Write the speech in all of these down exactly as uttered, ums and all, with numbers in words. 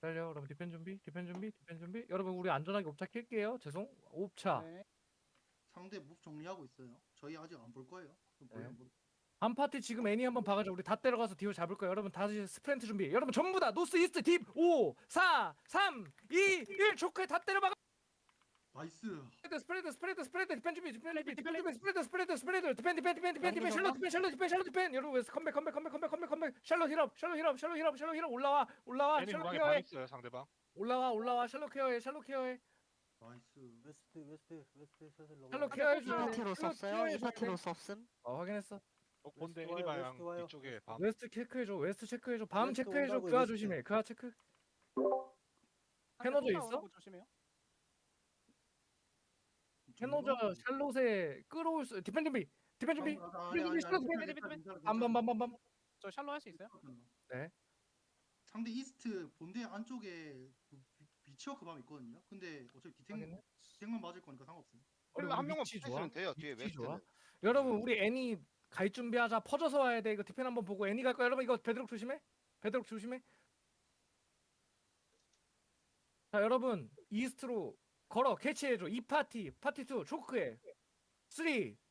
기다려. 여러분 디펜 준비, 디펜 준비, 디펜 준비. 여러분 우리 안전하게 옵차 킬게요. 죄송. 옵차. 네. 상대 몹 정리하고 있어요. 저희 아직 안 볼 거예요. 좀 네. 보려면 볼- 한 파티 지금 애니 한번 박아줘. 우리 다 때려가서 딜 잡을 거예요. 여러분 다시 스프린트 준비. 여러분 전부 다 노스 이스트 딥 오, 사, 삼, 이, 일 초크에 다 때려 박아. 나이스. 스프레드 스프레드 스프레드 디펜 준비 디펜 준비 디펜 준비 스프레드 스프레드 스프레드 디펜 디펜 디펜 디펜 디펜 샬롯 디펜 샬롯 디펜 샬롯 디펜. 여러분 웨스 컴백 컴백 컴백 컴백 컴백 컴백 샬롯 힐업 샬롯 힐업 샬롯 힐업 샬롯 힐업 올라와 올라와 애니 샬롯 무방에 방 케어해 있어요 상대방. 올라와 올라와 샬롯 케어해 샬롯 케어해 나이스. 웨스트 웨스트 웨스트 셔틀 로그. 샬롯 케어해 이 줘야 돼. 파티로 샬롯 썼어요? 케어해 이 줘야 파티로 돼. 썼음? 어 확인했어. 어 본대 웨스트 애니 와요, 방향 웨스트 와요. 이쪽에 밤. 웨스트 체크해줘 웨스트 체크해줘 밤 웨스트 체크해줘 온다고요, 그아 웨스트. 조심해 그아 체크. 캐노저 있어? 조심해요. 캐노저 샬롯에 끌어올 수 디펜 준비 디펜 준비 아, 디펜 준비 샬롯 디펜 밤밤밤밤밤. 저 샬로 할 수 있어요? 네. 상대 이스트 본대 안쪽에 그 비- 비치워크 밤 있거든요. 근데 어차피 디탱 확인해. 디탱만 맞을 거니까 상관없어요. 우리 한 명만 위치 붙어있으면 돼요. 뒤에 위치 좋아. 웨스트는. 여러분 우리 애니 갈 준비하자. 퍼져서 와야 돼. 이거 디펜 한번 보고 애니 갈 거야. 여러분 이거 베드록 조심해. 베드록 조심해. 자 여러분 이스트로 걸어 캐치해줘. 이 파티 파티 투 초크해. 삼, 이, 일.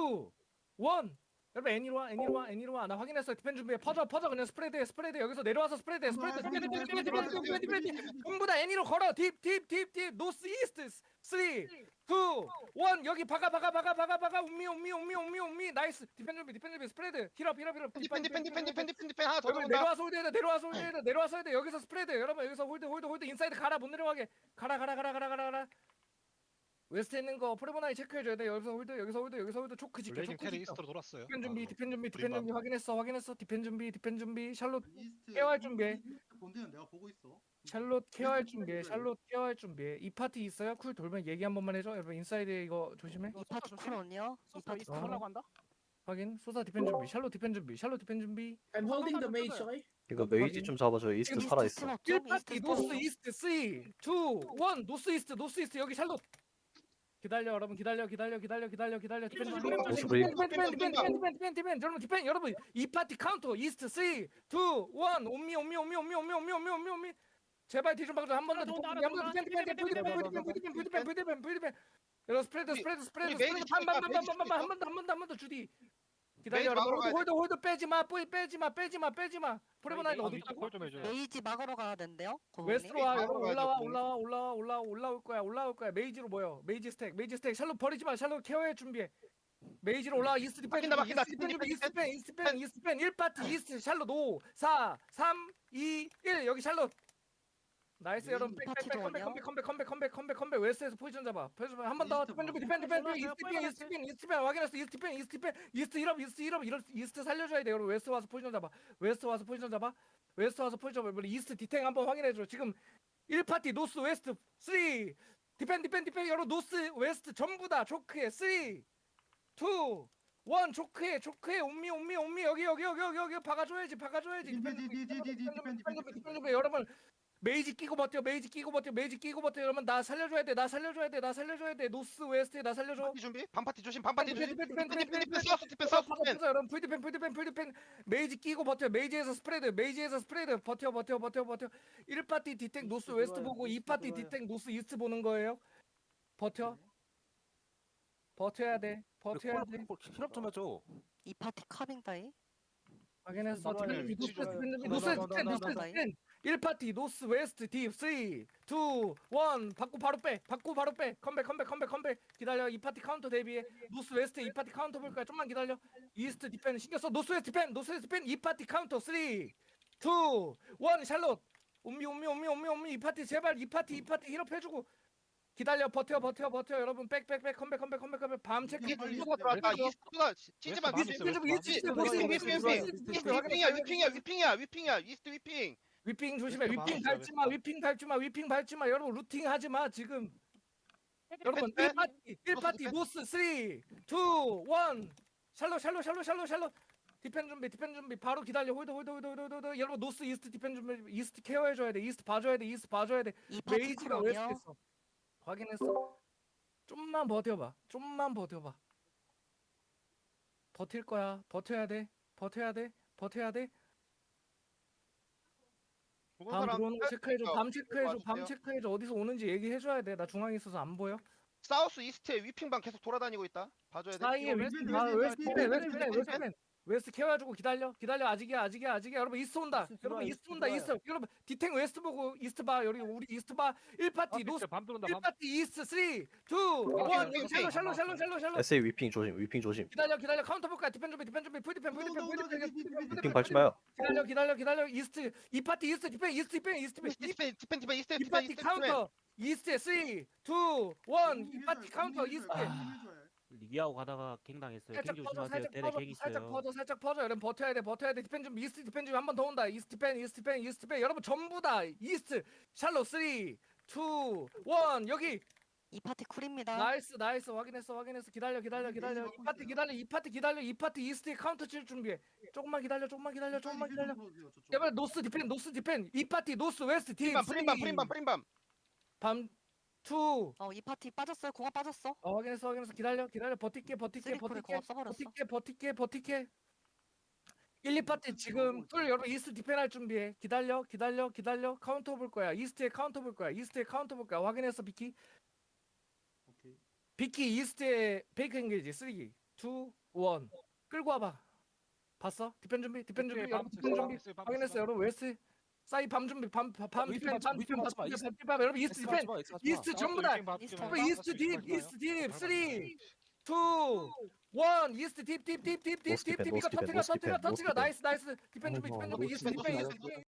여러분 애니로 와 애니로 와 애니로 와. 나 확인했어. 디펜 준비해. 퍼져 퍼져 그냥 스프레드해 스프레드. 여기서 내려와서 스프레드해 스프레드. 디펜 디펜 디펜 디펜 디펜 디펜 디펜. 전부 다 애니로 걸어. 딥 딥 딥 딥 노스 이스트. 삼, 이, 일. 여기 박아 박아 박아 박아 박아. 운미 운미 운미 운미 운미. 나이스. 디펜 준비 디펜 준비 스프레드. 힐업 힐업 힐업. 디펜 디펜 디펜 디펜 디펜 디펜 하나 더 여러분 들어온다. 내려와서 홀드 해야 돼 내려와서 홀드 해야 돼 내려와서 해야 돼. 여기서 스프레드. 여러분 여기서 홀드 홀드 홀드 인사이드 가라. 못 내려가게 가라 가라 가라 가라 가라 가라. 웨스트 있는 거 프레모나이 체크해줘야 돼. 여기서 홀드 여기서 홀드 여기서 홀드 초크 지켜 블레이징 초크 테리 지켜. 이스트로 돌았어요. 디펜 준비 바로. 디펜 준비 디펜 브리밤. 준비 확인했어 확인했어. 디펜 준비 디펜 준비 샬롯 이스트 케어할 준비해. 이스트 본대는 내가 보고 있어. 샬롯 케어할 준비해. 샬롯 케어할 준비해. 이 파티 있어요? 쿨 돌면 얘기 한 번만 해줘. 여러분 인사이드 이거 조심해. 이 파티 쿨온이요? 이 파티 어. 하려고 한다. 확인. 소사 디펜 준비. 샬롯 디펜 준비. 샬롯 디펜 준비. I'm holding the mage, okay? 이거 메이지 좀 잡아줘. 이스트 지금 살아있어. 일 좀 파티 이스트 노스 스포. 이스트 삼, 이, 일 노스 이스트 노스 이스트 여기 샬롯. 기다려 여러분 기다려 기다려 기다려 기다려 기다려 디펜 디펜 디펜 노스 디펜 디펜 디펜 디펜 디펜 디펜 디펜 여러분 디펜 여러분 이 파티 카운터 이스트 삼, 이, 일 옴미 옴미 옴미 옴미 옴미 옴미 ом미 옴미 옴미 ом미 제발 뒤좀 박아줘 한번더 한번더 디펜 디펜 디펜 디펜 디펜 디펜 디펜 디펜 디펜 여러분 스프레드 스프레드 스프레드 스프레드 한번한번한번한번한번더 주디 기다려 메이지 막으러 여러분 홀드 홀드 빼지 마 빼지 마 빼지 마 빼지 마 프레모나인 어디 있다고? 콜좀 해줘요. 메이지 막으러 가야 된대요? 고객님? 웨스트로 와 여러분 가야죠, 올라와 거기. 올라와 올라와 올라와 올라올 거야 올라올 거야 메이지로 모여 메이지 스택 메이지 스택 샬롯 버리지 마 샬롯 케어해 준비해 메이지로 올라와 이스트 디펜 막힌다, 막힌다. 이스트 디펜 준비 이스트 디펜 이스트 디펜 이스트 디펜 일 파티 이스트 샬롯 오 사 삼 이 일 여기 샬롯 나이스 여러분 파티 백백백 컴백 좋아요. 컴백 컴백 컴백 컴백 컴백 웨스트에서 포지션 잡아 포지션 한 번 더 디펜 준비 디펜 디펜 디펜 이스트 디펜 이스트 디펜 이스트 디펜 확인했어 이스트 디펜 이스트 디펜 이스트 힐업 이스트 힐업 이럴 이스트 살려줘야 돼 여러분 웨스트 와서 포지션 잡아 웨스트 와서 포지션 잡아 웨스트 와서 포지션 잡아 이스트 디탱 한번 확인해줘 지금 일 파티 노스 웨스트 삼 디펜 디펜 디펜 여러분 노스 웨스트 전부 다 초크해 삼 이 일 초크해 초크해 옴미 옴미 옴미 여기 여기 여기 여기 여기 박아줘야지 박아줘야지 디펜 준비, 디펜 준비, 디펜 준비, 디펜 준비. 여러분 메이지 끼고 버텨 메이지 끼고 버텨 메이지 끼고 버텨 여러분 나 살려줘야 돼 나 살려줘야 돼 나 살려줘야 돼 노스 웨스트에 나 살려줘 파티 준비. 반파티 조심. 반파티 조심. 디펜, 디펜, 디펜 디펜, 디펜 디펜 디펜, 서스 디펜 서스 디펜. 퍼져, 여러분 풀디펜 풀디펜 풀디펜 메이지 끼고 버텨 메이지에서 스프레드 메이지에서 스프레드 버텨 버텨 버텨 버텨 일 파티 디탱 노스 웨스트 보고 이 파티 디탱 노스 이스트 보는 거예요 버텨 버텨야 돼 버텨야 돼 힐업 좀 해줘. 이 파티 카빙 따위? 확인했어 좋아요. 디펜 위치 노스 좋아요. 디펜 노스 디펜 노스 디펜 일 파티 노스 웨스트 딥 삼, 이, 일 받고 바로 빼 받고 바로 빼 컴백 컴백 컴백 컴백 기다려 이 파티 카운터 대비해 노스 웨스트 이 파티 카운터 볼 거야 좀만 기다려 이스트 디펜 신경 써 노스 웨스트 디펜 노스 웨스트 디펜 이 파티 카운터 삼, 이, 일 샬롯 옴미 옴미 옴미 옴미 옴미 이 파티 제발 이 파티 이 파티 힐업 해주고 기다려 버텨 버텨 버텨 여러분 백백백 컴백 컴백 컴백 컴백 밤 체크 이게 빨리 누가 들어왔다. 이스트가 찌지만 웨스트 이스트 밤 있어요, 이스트 웨스트 밤. 위핑 위핑 위핑 이스트 위핑이야 위핑이야 위핑이야 위핑이야 이스트 위핑. 위핑 조심해 웨스트 위핑 밤 밟지 마 있어요, 위핑 밟지 마 위핑 밟지 마 여러분 루팅 하지 마 지금 여러분 네. 일 파티 일 파티 노스 삼, 이, 일 샬롯 샬롯 샬롯 샬롯 샬롯 디펜 준비 디펜 준비 바로 기다려 홀드 홀드 홀드 홀드 홀드 여러분 노스 이스트 디펜 준비 이스트 케어해 줘야 돼 이스트 봐줘야 돼 이스트 봐줘야 돼 이 파티 메이지가 쿨온이요? 웨스트 있어 확인했어 좀만 버텨봐 좀만 버텨봐 버틸 거야 버텨야 돼 버텨야 돼 버텨야 돼 그거 죽은 밤 사람 들어오는 거 체크해줘. 뺄게요. 밤 체크해줘. 밤 와주세요. 체크해줘. 어디서 오는지 얘기해줘야 돼. 나 중앙에 있어서 안 보여. 사우스 이스트에 위핑방 계속 돌아다니고 있다. 봐줘야 돼. 사이에 이거 웨스트 웨스트, 아 웨스트, 웨스트맨 웨스트, 웨스트맨 웨스트, 웨스트맨 웨스트 케어해주고 기다려 기다려 아직이야 아직이야 아직이야 여러분 이스트 온다 이스트 여러분 들어와요, 이스트 이스트 온다 이스트 들어와요. 여러분 디탱 웨스트 보고 이스트 봐 여기 우리 이스트 봐 일 파티 노스 밤 들어온다. 일 파티 이스트 삼, 이, 일 여기 샬로 샬로 샬로 샬로 샬로 에스에이 위핑 조심 위핑 조심. 기다려 기다려 카운터 볼까 디펜 준비 디펜 준비 풀 디펜 풀 디펜 풀 디펜 풀 디펜 위핑 밟지 마요. 기다려 기다려 기다려 이스트 이 파티 이스트 디펜 이스트 디펜 이스트 디펜 디펜 디펜 디펜 이스트 이 디펜 파티 이스트 디펜. 카운터 이스트 삼, 이, 일 이 파티 카운터 이스트 리기하고 가다가 갱 당했어요. 살짝 갱 퍼져 조심하세요. 살짝 때려 퍼져 갱 살짝 있어요. 퍼져 살짝 퍼져 여러분 버텨야 돼 버텨야 돼 디펜 좀 이스트 디펜 좀 한 번 더 온다 이스트 디펜 이스트 디펜 이스트 디펜 여러분 전부 다 이스트 샬로 삼, 이, 일 여기 이 파티 쿨입니다. 나이스 나이스 확인했어 확인했어 기다려 기다려 기다려 이 파티 기다려 이 파티 기다려 이 파티 이스트에 카운터 칠 준비해 조금만 기다려 조금만 기다려 조금만 기다려 여러분 노스 디펜 노스 디펜 이 파티 노스 웨스트 딥 프림밤 프림밤 프림밤 프림밤. 밤 투 어, 이 파티 빠졌어요. 공합 빠졌어. 어 확인했어 확인했어 기다려 기다려 버틸게 버틸게 쓰리콜에 버틸게 공합 써버렸어. 버틸게 버틸게 버틸게 일, 이 파티 지금 풀 여러분 이스트 디펜할 준비해 기다려 기다려 기다려 카운터 볼 거야 이스트에 카운터 볼 거야 이스트에 카운터 볼 거야 확인했어 비키 비키 이스트에 베이크 엔게이지 삼, 이, 일 끌고 와봐 봤어? 디펜 준비 디펜 준비 여러분 디펜 준비 확인했어 여러분 웨스트 사이 밤 준비 밤밤 디펜 밤 디펜 밤 디펜 밤 여러분 이스트 디펜 이스트 전부 다 이스트 여러분 이스트 딥 이스트 딥 삼, 이, 일 이스트 딥 딥 딥 딥 딥 노스 딥 디펜, 딥 노스 이거 디펜, 터트려 노스 터트려 디펜, 터트려 노스 나이스 디펜. 나이스 디펜 준비 디펜 준비 이스트 디펜 이스트 디펜